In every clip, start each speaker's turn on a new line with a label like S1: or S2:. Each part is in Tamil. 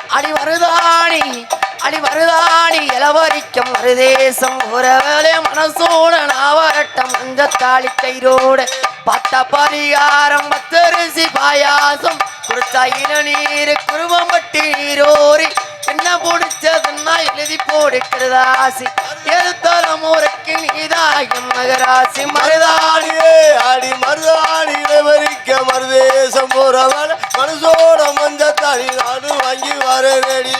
S1: அடி வருதாணி அடி வருதாணி இளவரிக்கம் மருதேசம் உறவலே மனசோட நாவரட்டம் மஞ்சத்தாளி கயிரோட பத்த பரிகாரம் பத்தரிசி பாயாசம் குடிச்சா இளநீர் குருவம் பட்டி நீரோரி என்ன பிடிச்சதுன்னா எழுதி போடுக்கிறதாசி எழுத்தலம் ஊருக்கு நீதாயும் மகராசி
S2: மருதாணியே அடி மருதாணி இளவரிக்க மருதேசம் போறவள் மனசோட மஞ்சத்தாளி நாடு வாங்கி வரேடி.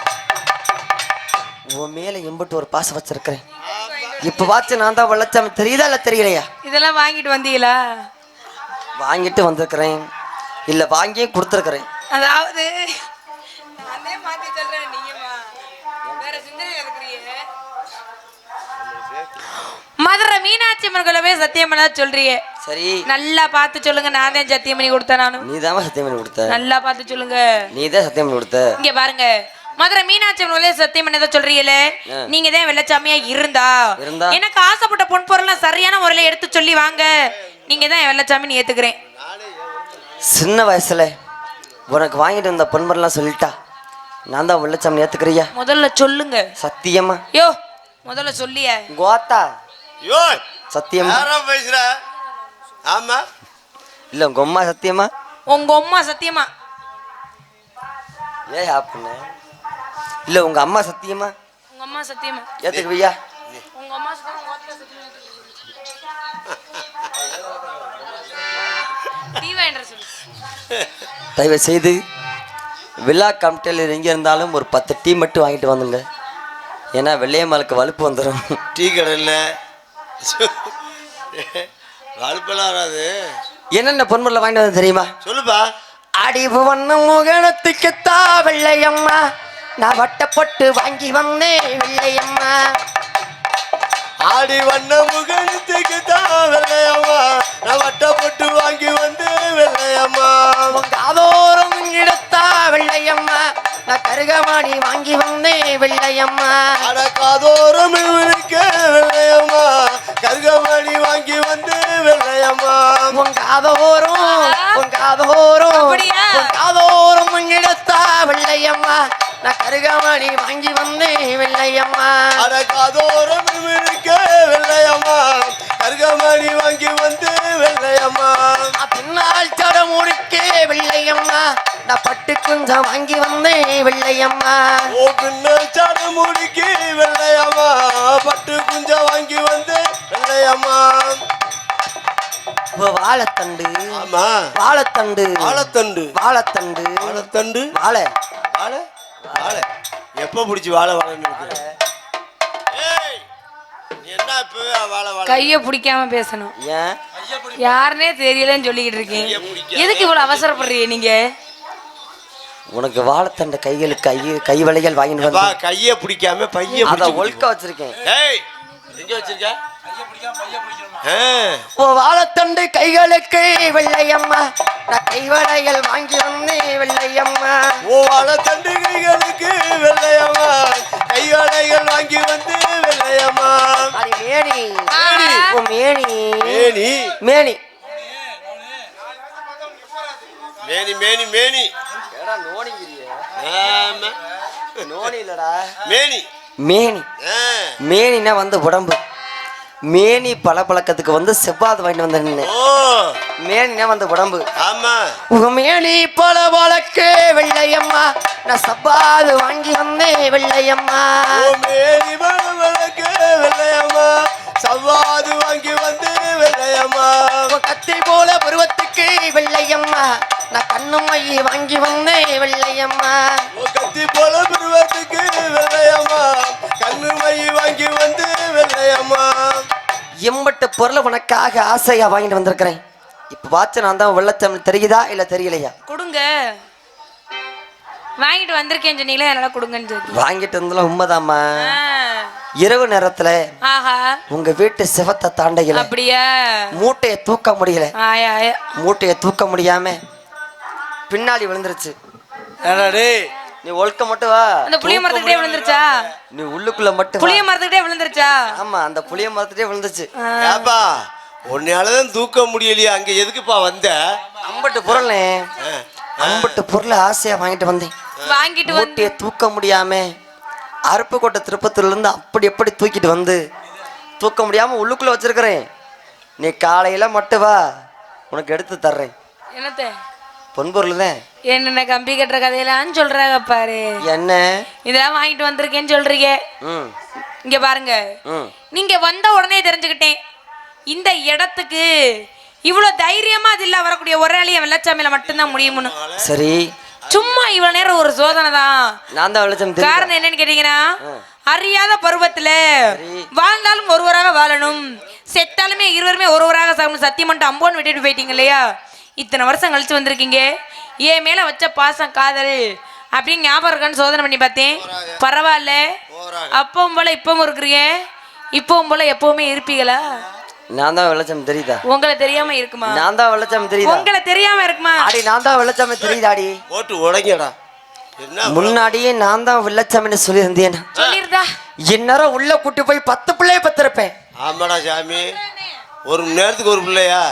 S1: உன் மேல எம்பிட்டு ஒரு பாசம் வச்சிருக்கிறேன். இப்ப வாச்சு நான் தான் வெள்ளச்சாமி தெரியுதா இல்ல தெரியலையா?
S3: இதெல்லாம் வாங்கிட்டு வந்தீங்களா?
S1: வாங்கிட்டு வந்திருக்கிறேன், இல்ல வாங்கியே கொடுத்துருக்கிறேன்.
S3: அதாவது நானே மாத்தி சொல்றேன், நீங்கம்மா வேற சிந்தனை இருக்கிறீங்க. மதுரை மீனாட்சி அம்மன் கோயில சத்தியம் பண்ண சொல்றீங்க. சரி, நல்லா பார்த்து சொல்லுங்க. நான் தான் சத்தியம் பண்ணி கொடுத்தேன். நானும்
S1: நீதான் சத்தியம் பண்ணி கொடுத்த. நல்லா
S3: பார்த்து சொல்லுங்க.
S1: நீதான் சத்தியம் பண்ணி கொடுத்த.
S3: இங்க பாருங்க, மதுரை மீனாட்சி அம்மன் கோயில சத்தியம் பண்ணதை சொல்றீங்களே, நீங்க தான் வெள்ளச்சாமியா இருந்தா எனக்கு ஆசைப்பட்ட பொன் பொருள் சரியான முறையில எடுத்து சொல்லி வாங்க. நீங்க தான் வெள்ளச்சாமின்னு ஏத்துக்கிறேன்.
S1: சின்ன வயசுல உனக்கு வாங்கிட்டு வந்த பொன்மரெல்லாம் சொல்லிட்டா நான் தான் வெள்ளச்சாமி ஏத்துக்கிறியா?
S3: முதல்ல சொல்லுங்க.
S1: சத்தியமா?
S3: யோ முதல்ல சொல்லிய
S1: கோத்தா.
S2: யோ
S1: சத்தியமா
S2: பேசுற? ஆமா
S1: இல்ல உங்க அம்மா சத்தியமா?
S3: உங்க அம்மா சத்தியமா?
S1: ஏ அப்பனே இல்ல உங்க அம்மா சத்தியமா?
S3: உங்க அம்மா சத்தியமா
S1: ஏத்துக்குவியா?
S3: உங்க அம்மா சத்தியமா?
S1: தயவு செய்து விழா கமிட்டியில் எங்கே இருந்தாலும் ஒரு 10 டீ மட்டும் வாங்கிட்டு வந்துங்க. ஏன்னா வெள்ளையம்மாளுக்கு வலுப்பு வந்துடும்.
S2: டீ கடையில் வலுப்பெல்லாம் வராது.
S1: என்னென்ன பொன்முறையில் வாங்கிட்டு வந்து தெரியுமா?
S2: சொல்லுப்பா.
S1: அடிவு வண்ணம் முகணத்துக்குத்தா வெள்ளையம்மா நான் வட்டப்பட்டு வாங்கி வந்தேன் வெள்ளையம்மா.
S2: ஆடி வண்ண முகத்துக்கு தான் வெள்ளையம்மா நான் வட்டப்பட்டு வாங்கி வந்து வெள்ளையம்மா.
S1: உங்க ஆதோரம் எடுத்தா வெள்ளையம்மா நான் கருகமாணி வாங்கி வந்தேன் வெள்ளையம்மா.
S2: அடக்காதோரம் இருக்க வெள்ளையம்மா கருகமணி வாங்கி வந்து வெள்ளையம்மா.
S1: உங்க ஆதோரம் உங்க ஆதோரம் உங்க ஆதோரம் எடுத்தா வெள்ளையம்மா நான் கருகமணி வாங்கி வந்தேன் வெள்ளையம்மா.
S2: அடக்காதோரம் இருக்க வெள்ளையம்மா கருகமணி வாங்கி வந்து வெள்ளையம்மா.
S1: பின்னால் சட முடிக்கே வெள்ளையம்மா நான் பட்டு குஞ்சம் வாங்கி வந்தேன் வெள்ளையம்மா.
S2: ஓ பின்னால் சட முடிக்கு வெள்ளையம்மா பட்டு குஞ்சம் வாங்கி வந்து வெள்ளையம்மா.
S1: வாழைத்தண்டு.
S2: ஆமா
S1: வாழைத்தண்டு
S2: வாழைத்தண்டு
S1: வாழைத்தண்டு
S2: வாழைத்தண்டு
S1: வாழை
S2: வாழை வாழை எப்ப பிடிச்சி வாழை வாழைன்னு இருக்கிற? என்ன இப்பவே வாழை வாழை
S3: கைய பிடிக்காம பேசணும்.
S1: ஏன்
S3: யாருன்னே தெரியலன்னு சொல்லிக்கிட்டு இருக்கீங்க. எதுக்கு இவ்வளவு அவசரப்படுறீங்க நீங்க?
S1: உனக்கு வாழைத்தண்ட கைகளுக்கு கை வளைகள் வாங்கிட்டு வந்து
S2: கைய பிடிக்காம பைய
S1: அத ஒழுக்க வச்சிருக்கேன்.
S2: எங்க வச்சிருக்க?
S1: ஓ வாழைத்தண்டு கைகளுக்கு வெள்ளையம்மா நான் கைவளைகள் வாங்கி வந்தேன் வெள்ளையம்மா.
S2: ஓ வாழைத்தண்டு கைகளுக்கு வெள்ளையம்மா கைவளைகள் வாங்கி வந்து வெள்ளையம்மா.
S1: அது மேனி ஓ மேனி
S2: மேனி
S1: மேனி
S2: மேனி மேனி மேனி
S1: நோனி இல்லடா
S2: மேனி
S1: மேனி மேனினா வந்து உடம்பு. மேனி பழக்கத்துக்கு வந்து செவ்வாது வாங்கிட்டு வந்தேன். மேனினா வந்து உடம்பு.
S2: ஆமா
S1: உங்க மேனி பழக்கு வெள்ளையம்மா நான் செவ்வாது வாங்கி வந்தேன் வெள்ளையம்மா.
S2: மேனி பழக்கு வெள்ளையம்மா செவ்வாது வாங்கி வந்து வெள்ளையம்மா.
S1: கத்தி போல பருவத்துக்கு வெள்ளையம்மா நான் கண்ணு மை வாங்கி வந்தேன் வெள்ளையம்மா.
S2: கத்தி போல பருவத்துக்கு வெள்ளையம்மா கண்ணு மை வாங்கி வந்து வெள்ளையம்மா.
S1: எம்பட்டு பொருளை உனக்காக ஆசையா வாங்கிட்டு வந்திருக்கிறேன். இப்ப வாட்ச நான் தான் வெள்ளத்தமிழ் தெரியுதா இல்ல தெரியலையா?
S3: கொடுங்க. வாங்கிட்டு வந்திருக்கேன் சொன்னீங்களே, அதனால கொடுங்கன்னு சொல்லி
S1: வாங்கிட்டு வந்தல உண்மைதாம்மா. இரவு நேரத்துல உங்க வீட்டு சிவத்தை தாண்டையில
S3: அப்படியா
S1: மூட்டையை தூக்க முடியல. மூட்டையை தூக்க முடியாம பின்னாடி விழுந்துருச்சு. நீ ஒழுக்க மட்டும் வா.
S3: அந்த புளிய மரத்துக்கிட்டே விழுந்துருச்சா?
S1: நீ உள்ளுக்குள்ள மட்டும்
S3: புளிய மரத்துக்கிட்டே விழுந்துருச்சா?
S1: ஆமா அந்த புளிய மரத்துக்கிட்டே விழுந்துச்சு.
S2: ஏப்பா உன்னாலதான் தூக்க முடியலையா? அங்க எதுக்குப்பா வந்த?
S1: அம்பட்டு பொருள் அம்பட்டு பொருளை ஆசையா வாங்கிட்டு வந்தேன்.
S3: வாங்கிட்டு வந்து
S1: மூட்டையை தூக்க முடியாம அருப்புக்கோட்டை திருப்பத்தூர்ல இருந்து அப்படி எப்படி தூக்கிட்டு வந்து தூக்க முடியாம உள்ளுக்குள்ள வச்சிருக்கிறேன். நீ காலையில மட்டும் வா, உனக்கு எடுத்து தர்றேன்.
S3: என்னத்த
S1: பொன்பொருள் தான்.
S3: என்னென்ன கம்பி கட்டுற கதையெல்லாம் சொல்றாங்க பாரு.
S1: என்ன
S3: இதெல்லாம் வாங்கிட்டு வந்திருக்கேன்னு சொல்றீங்க. இங்க பாருங்க, நீங்க வந்த உடனே தெரிஞ்சுக்கிட்டேன் இந்த இடத்துக்கு இவ்வளவு தைரியமா அது இல்ல வரக்கூடிய ஒரே ஆளிய வெள்ளச்சாமியில மட்டும்தான் முடியும்னு.
S1: சரி,
S3: சும்மா இவ்வளவு நேரம் ஒரு சோதனை தான்.
S1: நான் தான் வெள்ளச்சாமி.
S3: காரணம் என்னன்னு கேட்டீங்கன்னா, அறியாத பருவத்துல வாழ்ந்தாலும் ஒருவராக வாழணும், செத்தாலுமே இருவருமே ஒருவராக சாகணும் சத்தியம் பண்ணிட்டு அம்போன்னு விட்டுட்டு போயிட்டீங்க இல்லையா. இத்தனை வருஷம் கழிச்சு வந்திருக்கீங்க, என் மேல வச்ச பாசம் காதல் அப்படின்னு ஞாபகம் இருக்கான்னு சோதனை பண்ணி பார்த்தேன். பரவாயில்ல, அப்பவும் போல இப்பவும் இருக்கிறீங்க, இப்பவும் போல எப்பவுமே இருப்பீங்களா?
S1: நான் தான் வெள்ளச்சாமி தெரியுதா?
S3: உங்களை தெரியாம இருக்குமா?
S1: நான் தான் வெள்ளச்சாமி தெரியுதா?
S3: உங்களை தெரியாம இருக்குமா?
S1: அடி நான் தான் வெள்ளச்சாமி தெரியுதாடி?
S2: போட்டு உடைங்கடா.
S1: முன்னாடியே நான் தான் வெள்ளச்சாமின்னு சொல்லியிருந்தேன்.
S3: சொல்லிருந்தா
S1: இந்நேரம் உள்ள கூட்டி போய் 10 பிள்ளைய பத்திருப்பேன்.
S2: ஆமாடா சாமி, ஒரு மணி நேரத்துக்கு ஒரு பிள்ளையா?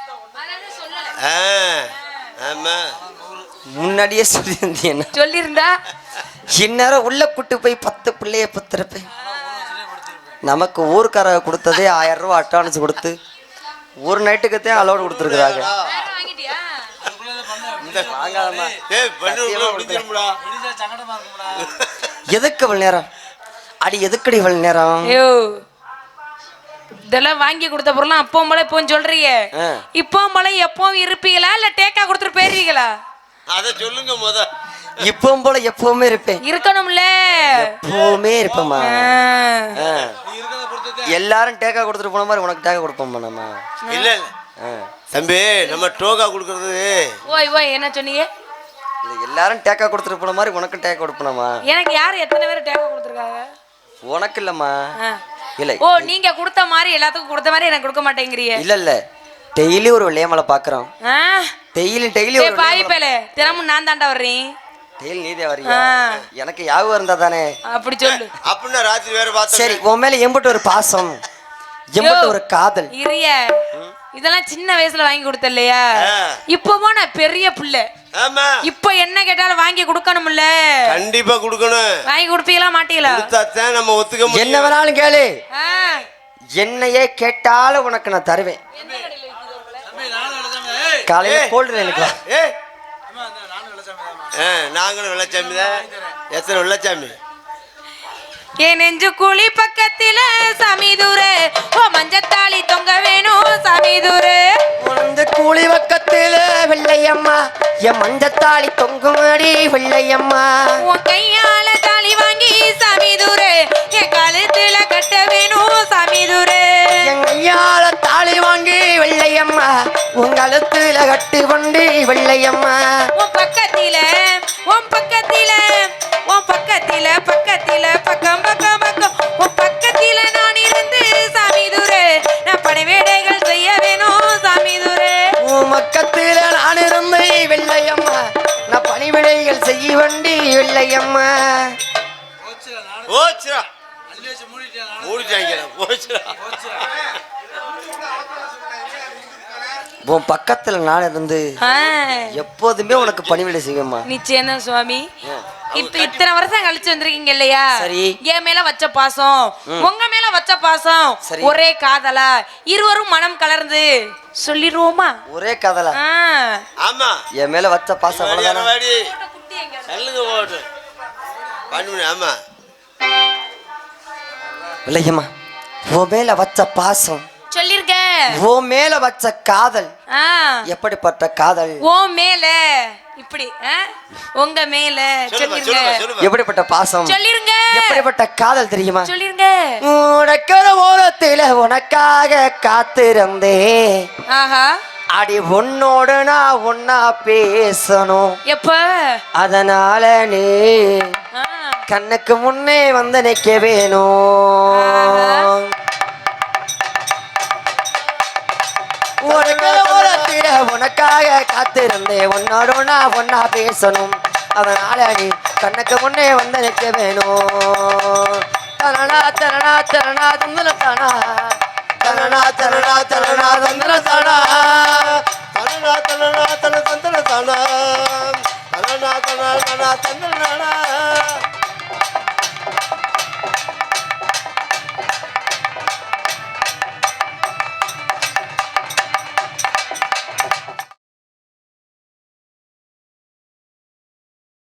S2: ஆமா,
S1: முன்னாடியே சொல்லியிருந்தேன்.
S3: சொல்லியிருந்தா
S1: இந்நேரம் உள்ள கூட்டி போய் 10 பிள்ளைய பத்திருப்பேன். நமக்கு ஊருக்கார கொடுத்ததே 1000 ரூபா அட்வான்ஸ் கொடுத்து ஒரு நைட்டுக்குத்தான் அலோடு கொடுத்துருக்குறாங்க. எதுக்கு இவ்வளவு நேரம்? அடி எதுக்கடி இவ்வளவு நேரம்?
S3: இதெல்லாம் வாங்கி கொடுத்த பொருளாம் அப்பவும் போல இப்போ சொல்றீங்க. இப்பவும் போல எப்பவும் இருப்பீங்களா இல்ல டேக்கா கொடுத்துட்டு போயிருவீங்களா?
S2: அத சொல்லுங்க முத.
S1: இப்பவும் போல எப்பவுமே இருப்பேன்.
S3: இருக்கணும்ல,
S1: எப்பவுமே இருப்பேம்மா. எல்லாரும் டேக்கா கொடுத்துட்டு போன மாதிரி உனக்கு டேக்கா கொடுப்போம்மா நம்ம.
S2: இல்ல இல்ல தம்பி, நம்ம டோக்கா கொடுக்கறது.
S3: ஓய் ஓய் என்ன சொன்னீங்க?
S1: இல்ல எல்லாரும் டேக்கா கொடுத்துட்டு போன மாதிரி உனக்கு டேக்கா கொடுப்போம்மா.
S3: எனக்கு யார் எத்தனை பேர் டேக்கா கொடுத்துருக்காங்க?
S1: உனக்கு இல்லம்மா. இல்ல,
S3: ஓ நீங்க கொடுத்த மாதிரி எல்லாத்துக்கும் கொடுத்த மாதிரி எனக்கு கொடுக்க மாட்டேங்கிறீங்க.
S1: இல்ல இல்ல, டெய்லி ஒரு வெள்ளையமலை பாக்குறோம். டெய்லி ஒரு
S3: பாய்ப்பேல தினமும் நான் தாண்டா வர்றேன்.
S1: டெய்லி நீதே வரியா? எனக்கு யாவும் இருந்தா தானே அப்படி
S3: சொல்லு.
S2: அப்படின்னா ராத்திரி வேற பார்த்தா
S1: சரி, உன் மேல எம்பட்டு ஒரு பாசம், எம்பட்டு ஒரு காதல்.
S3: இரிய இதெல்லாம் சின்ன வயசுல வாங்கி கொடுத்த இல்லையா? இப்பவோ நான் பெரிய புள்ள.
S2: ஆமா,
S3: இப்ப என்ன கேட்டாலும் வாங்கி கொடுக்கணும்ல.
S2: கண்டிப்பா கொடுக்கணும்.
S3: வாங்கி கொடுப்பீங்களா மாட்டீங்களா?
S2: கொடுத்தாதான் நம்ம ஒத்துக்க முடியும்.
S1: என்ன வேணாலும் கேளு, என்னையே கேட்டாலும் உனக்கு நான் தருவேன். காலையில கோல்டு எனக்கு
S2: நாங்களும் வெள்ளச்சாமி தான். எத்தனை வெள்ளச்சாமி?
S3: என் நெஞ்சு குழி பக்கத்தில சமீதுரு ஓ மஞ்சத்தாளி தொங்க வேணும் சமீதுரு.
S1: உனது கூலி பக்கத்தில வெள்ளையம்மா என் மஞ்சத்தாளி தொங்குமடி வெள்ளையம்மா.
S3: உன் கையால தாலி வாங்கி சமீதுரு என் கழுத்துல கட்ட வேணும் சமீதுரு.
S1: என் கையால தாலி வாங்கி வெள்ளையம்மா உன் கழுத்துல கட்டு கொண்டு வெள்ளையம்மா.
S3: உன் பக்கத்தில உன் பக்கத்தில உன் பக்கத்தில பக்கத்தில பக்கம் பக்கம் பக்கம் உன் பக்கத்தில நான் இருந்து சாமிதுரே நான் பணிவேடைகள் செய்ய வேணும் சாமிதுரே.
S1: உன் பக்கத்தில நான் இருந்து வெள்ளையம்மா நான் பணிவிடைகள் செய்ய வண்டி வெள்ளையம்மா. உன் பக்கத்துல நான் இருந்து எப்போதுமே உனக்கு பணிவிடை செய்வேம்மா.
S3: நிச்சயம் தான் சுவாமி. இப்ப இத்தனை வருஷம் கழிச்சு வந்திருக்கீங்க இல்லையா?
S1: சரி,
S3: என் மேல வச்ச பாசம் உங்க மேல வச்ச பாசம் ஒரே காதலா இருவரும் மனம் கலர்ந்து சொல்லிடுவோமா?
S1: ஒரே காதலா?
S2: ஆமா,
S1: என் மேல வச்ச பாசம் அவ்வளவுதானே.
S2: ஆமா
S1: இல்லையம்மா, உன் மேல வச்ச பாசம்
S3: சொல்லிருக்க.
S1: உன் மேல வச்ச காதல் எப்படிப்பட்ட காதல்?
S3: உன் மேல இப்படி உங்க மேல சொல்லிருங்க.
S1: எப்படிப்பட்ட பாசம்
S3: சொல்லிருங்க.
S1: எப்படிப்பட்ட காதல் தெரியுமா?
S3: சொல்லிருங்க.
S1: உனக்கிற ஓரத்தில உனக்காக காத்திருந்தே. ஆஹா, அடி உன்னோடு நான் ஒன்னா பேசணும்.
S3: எப்ப?
S1: அதனால நீ கண்ணுக்கு முன்னே வந்து நிக்க வேணும். உனக்காக காத்திருந்தேன், உன்னோடு நான் ஒன்னா பேசணும். அதனால நீ கண்ணுக்கு முன்னே வந்து நிற்க வேணும். தரணா தரணா தரணா தந்தன தானா தரணா தரணா தரணா தந்தன தானா தரணா தரணா தன தந்தன தானா
S2: தன்னா தன்னா தன்னா தன்னா